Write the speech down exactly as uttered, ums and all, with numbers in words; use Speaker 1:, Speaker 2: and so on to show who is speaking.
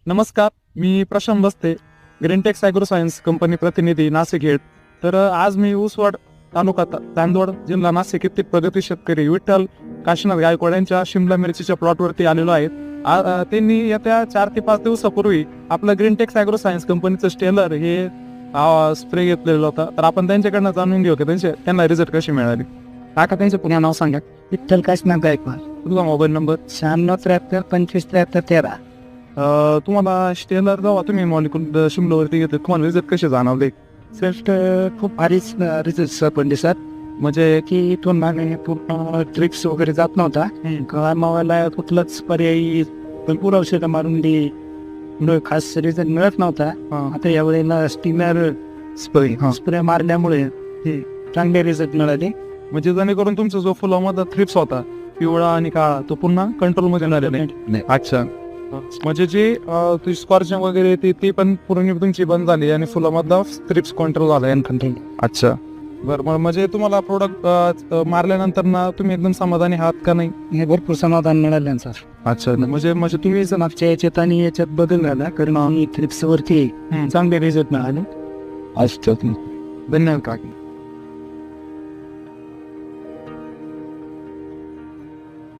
Speaker 1: नमस्कार, मी प्रशांत बस्ते, ग्रीनटेक्स agro science company प्रतिनिधी नाशिक हेड. तर अ, आज मी ऊसवाड तालुका ता- चांदवड जिल्हा नाशिक येथील प्रगती शेतकरी विठ्ठल काशीनाथ गायकवाड यांच्या शिमला मिरचीच्या प्लॉटवरती आलेलो आहे. आ- अ, त्यांनी येत्या चार ते पाच दिवसापूर्वी आपलं ग्रीनटेक्स ॲग्रो सायन्स कंपनीचं स्टेलर हे स्प्रे घेतलेलं होतं. तर आपण त्यांच्याकडनं जाणून घेऊ की त्यांचे त्यांना रिझल्ट कशी मिळाली. काका त्यांचं पुन्हा नाव सांगा,
Speaker 2: विठ्ठल काशीनाथ गायकवाड,
Speaker 1: तुझा मोबाईल नंबर.
Speaker 2: शहाण्णव त्र्याहत्तर पंचवीस त्र्याहत्तर तेरा.
Speaker 1: अ, तुम्हाला स्टेलर जेव्हा तुम्ही मॉलिक्युल शिमलावरती घेतले तुम्हाला रिझल्ट कसे जाणवले?
Speaker 2: श्रेष्ठ खूप भारीच रिझल्ट सर पण दिसत,
Speaker 1: म्हणजे
Speaker 2: की इथून मागे पूर्ण ट्रिप्स वगैरे जात नव्हता. मावाला कुठलंच पर्यायी भरपूर औषधं मारून दी पुढे खास रिझल्ट मिळत नव्हता. आता यावेळेला स्टीमर
Speaker 1: स्प्रे
Speaker 2: स्प्रे मारल्यामुळे चांगले रिझल्ट मिळाले.
Speaker 1: म्हणजे जेणेकरून तुमचा जो फुलामध्ये थ्रिप्स होता पिवळा आणि काळा तो पुन्हा कंट्रोल मध्ये झालेला. अच्छा, म्हणजे जे स्कॉर्चिंग वगैरे ती ती पण पूर्ण तुमची बंद झाली आणि फुलामधला थ्रिप्स कंट्रोल झाला.
Speaker 2: कंट्रोल.
Speaker 1: अच्छा, बरं. मग म्हणजे तुम्हाला प्रोडक्ट मारल्यानंतर ना तुम्ही एकदम समाधानी आहात का नाही?
Speaker 2: हे भरपूर समाधान मिळालं सर.
Speaker 1: अच्छा, म्हणजे म्हणजे
Speaker 2: तुम्ही जर मागच्या याच्यात आणि याच्यात बदल झाला कारण आम्ही थ्रिप्स वरती चांगले रिझल्ट मिळाले.
Speaker 1: अच्छा, धन्यवाद काका.